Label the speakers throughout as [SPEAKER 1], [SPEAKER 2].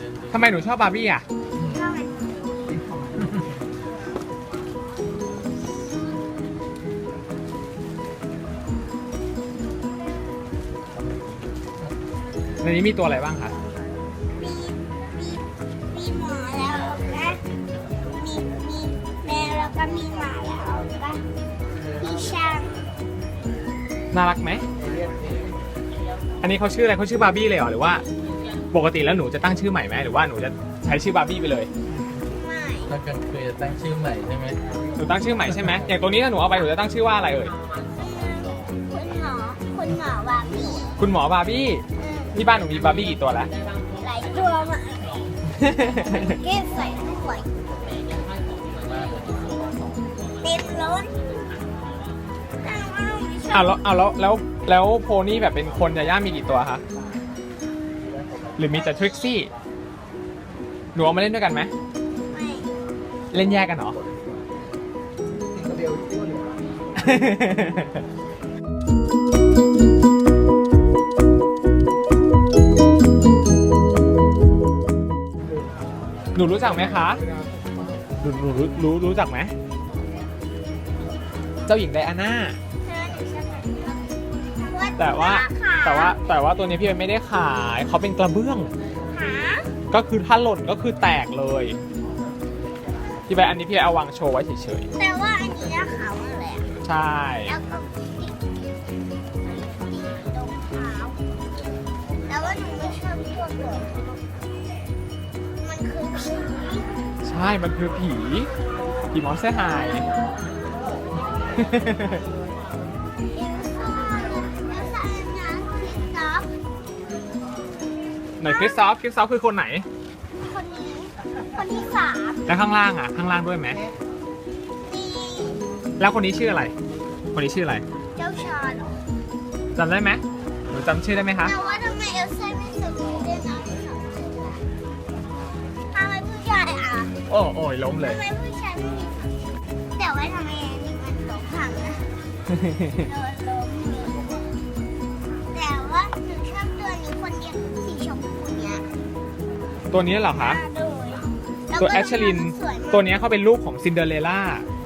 [SPEAKER 1] ทำไมหนูชอบบาร์บี้อ่ะ
[SPEAKER 2] ชอบมัน
[SPEAKER 1] ในนี้มีตัวอะไรบ้างคะ
[SPEAKER 2] มีมีหมอแล้วก็มีแมวแล้วก็มีหมาแล้วก็มีช้าง
[SPEAKER 1] น่ารักไหม อันนี้เขาชื่ออะไรเขาชื่อบาร์บี้เลยเหรอหรือว่าปกติแล้วหนูจะตั้งชื่อใหม่ไหมหรือว่าหนูจะใช้ชื่อบาร์บี้ไปเลย
[SPEAKER 2] ไม่
[SPEAKER 3] ถ้ากลางคืนจะตั้งชื่อใหม่ใช่ไหม
[SPEAKER 1] หนูตั้งชื่อใหม่ใช่ไหมอย่างตัวนี้ถ้าหนูเอาไปหนูจะตั้งชื่อว่าอะไรเอ่ย
[SPEAKER 2] คุณหมอบาร์บี้
[SPEAKER 1] คุณหมอบาร์บี้ที่บ้านหนูมีบาร์บี้กี่ตัวแล้ว
[SPEAKER 2] หลายตัวมากเก็บใส่ถ้วยเต็มล้นแต่ว่าไม่ชอบ
[SPEAKER 1] แล้วโพนี่แบบเป็นคนยาย่ามีกี่ตัวคะหรือมีแต่ทริกซี่หนูเอามาเล่นด้วยกันไหม
[SPEAKER 2] ไม่
[SPEAKER 1] เล่นแยกกันเหรอ หนูรู้จักไหมคะหนูรู้จักไหมเจ้าหญิงไดอาน่าแต่ว่าตัวนี้พี่เอ๋ไม่ได้ขายเขาเป็นกระเบื้อง
[SPEAKER 2] หา
[SPEAKER 1] ก็คือถ้าหล่นก็คือแตกเลยที่ไปอันนี้พี่เอาวางโชว์ไว้เฉย
[SPEAKER 2] แต่ว่าอันนี้นะขาวอะไรอะ
[SPEAKER 1] ๆใช่
[SPEAKER 2] แล้วก็ติดตรงเท้าแต่ว่าหนูไม่ชอบพวกเหลืองมันคือผี
[SPEAKER 1] ใช่มันคือผีมอนสเตอร์ไฮ
[SPEAKER 2] เอลซ่าอันนั้นคริสตอฟ
[SPEAKER 1] ไหนคริสซอฟคือคนไหน
[SPEAKER 2] คนนี้คนที่สาม
[SPEAKER 1] แล้วข้างล่างอ่ะข้างล่างด้วยไหม
[SPEAKER 2] นี่
[SPEAKER 1] แล้วคนนี้ชื่ออะไร คนนี้ชื่ออะไร
[SPEAKER 2] เจ้าชาย
[SPEAKER 1] จำได้ไหมหนูจำชื่อได้ไหมคะ
[SPEAKER 2] แต่ว่าทำไมเอลซ่าไม่สวยด้วยนะที่สองชื่ออะทำไมผู้ชายอ่ะ
[SPEAKER 1] โอ้ยล้มเลย
[SPEAKER 2] ทำไมผู้ชายไม่มีสองชื่อแต่ว่าทำไมอันนี้มันล้มพังนะโดนล้มเลยแต่ว่าหนูชอบตัวนี้คนเดียวสีชมพูเนี้ย
[SPEAKER 1] ตัวนี้เหรอคะ ตัวแอชลิน ตัวนี้เขาเป็นลูกของซินเดอเรลล่า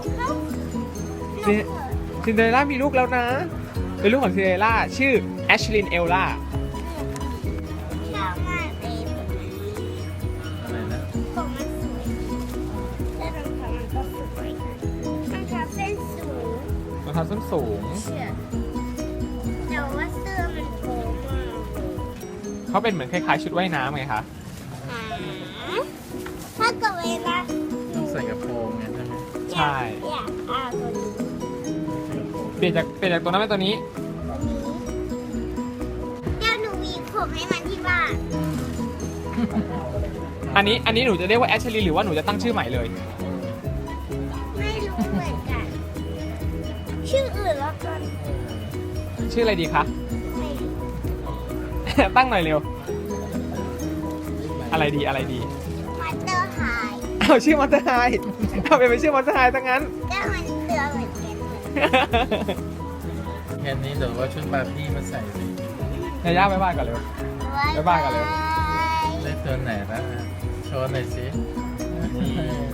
[SPEAKER 1] ซินเดอเรลล่ามีลูกแล้วนะ เป็นลูกของซินเดอเรลล่าชื่อแอชลินเอลล่า
[SPEAKER 2] ชอบมากเลย
[SPEAKER 3] อะไรนะ
[SPEAKER 2] ผมมันสวยและรองเท้ามันก็สวยรองเท้าเส้นสูง
[SPEAKER 1] รองเท้าส้นสูง
[SPEAKER 2] เชื่อแต่ว่าเสื้อมันโค้งมากเลย
[SPEAKER 1] เขาเป็นเหมือนคล้ายๆชุดว่ายน้ำไงคะ
[SPEAKER 2] หาถ้าเกิดเวลาหนู
[SPEAKER 3] ใส่กระโปรงไงใช่ไหม
[SPEAKER 1] ใช่
[SPEAKER 2] อยากเอาตัวนี้
[SPEAKER 1] เปลี่ยนจากตัวนั้นเป็นตัวนี้
[SPEAKER 2] ตัวนี้เดี๋ยวหนูวีผมให้มันที่บ้าน
[SPEAKER 1] อันนี้หนูจะเรียกว่าแอชลินหรือว่าหนูจะตั้งชื่อใหม่เลย
[SPEAKER 2] ไม่รู้เหมือนกัน ชื่ออื่นแล้วกัน
[SPEAKER 1] ชื่ออะไรดีคะ
[SPEAKER 2] ไม่รู้
[SPEAKER 1] ตั้งหน่อยเร็ว อะไรดี
[SPEAKER 2] มาสเตอร์ไฮ
[SPEAKER 1] เอาชื่อมอนสเตอร์ไฮเอาเป็นชื่อมอนสเตอร์ไฮทั้งนั้น
[SPEAKER 2] ก็มันเตือนเหมือนกัน
[SPEAKER 3] แค่นี้เดี๋ยวว่าชุดบาร์บี้มาใส่สิ
[SPEAKER 1] ยาย่าบ๊ายบายก่อนเร็ว บ๊ายบายกันเลย
[SPEAKER 3] ได้ตัวไหนแล้วอ่ะโชว์หน่อยสินี่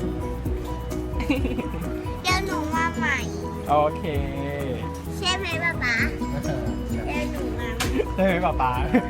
[SPEAKER 2] เดี๋ยวหนูมาใหม่
[SPEAKER 1] โอเค
[SPEAKER 2] ใช่ไหมป๊าป๊าเดี๋ยวหนูมาใหม่
[SPEAKER 1] ได้ไหมป๊าป๊า